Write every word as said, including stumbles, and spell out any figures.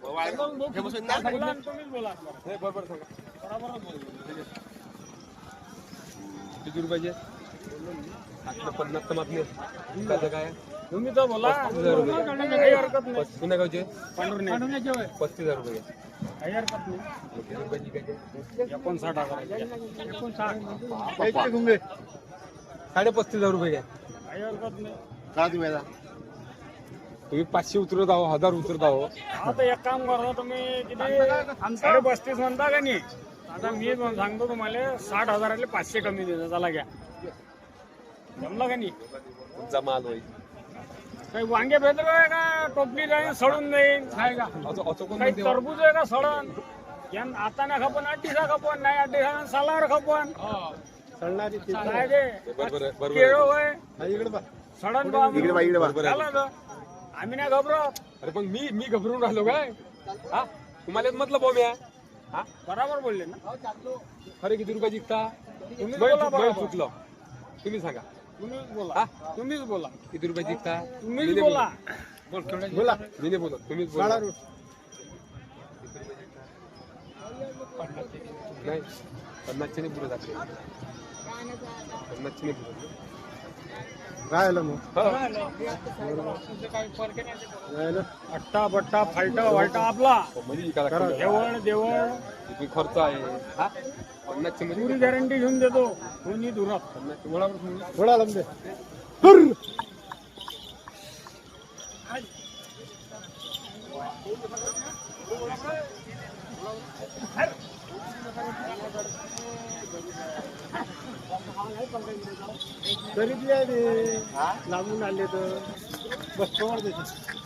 किती रुपयाचे पन्नास तर मागणे काय तुम्ही तर बोला काही हरकत नाही. पुण्या गावचे पस्तीस हजार रुपये काही हरकत नाही. एकोणसाठ हजार साडे पस्तीस हजार रुपये घ्या. काही हरकत नाही. का तुम्ही तुम्ही पाचशे उतरत आहो हजार उतरत आहो. आता एक काम करा तुम्ही किती साडे पस्तीस म्हणता का नाही. आता मी सांगतो तुम्हाला साठ हजाराले पाचशे कमी देतो. चला घ्या जमला का नाही. जमाल होईल काही वांगे भेटत आहे का टोपली जाईन सडून जाईन काय का काही टरबूज आहे का सडन यान आता ना खपन अडीसा खपन नाही अडीसा सालावर खपन सडणारी काय ते केळो होय सडन झालं आम्ही नाही घबरत. अरे पण मी मी घबरून राहिलो काय हा तुम्हाला म्हटलं बॉम्ब या हा बरोबर बोलले ना. खरे किती रुपये जिंकता तुम्हीच बोला बरोबर. चुकलो तुम्ही सांगा. तुम्हीच बोला तुम्हीच बोला किती रुपये जिंकता तुम्हीच बोला बोल बोला मी नाही बोलत तुम्हीच बोला. नाही पन्नासचे नाही पुढे जाते पन्नासचे नाही पुढे राहिलं मग अट्टा बट्टा फालटा वालटा आपला देवळ देवळ किती खर्च आहे हा पन्नासचे पुरी मध्ये गॅरंटी घेऊन देतो कोणी दुरात पन्नासचे बरोबर थोडा लंबे तरी लागून आले तर बस कवर देते.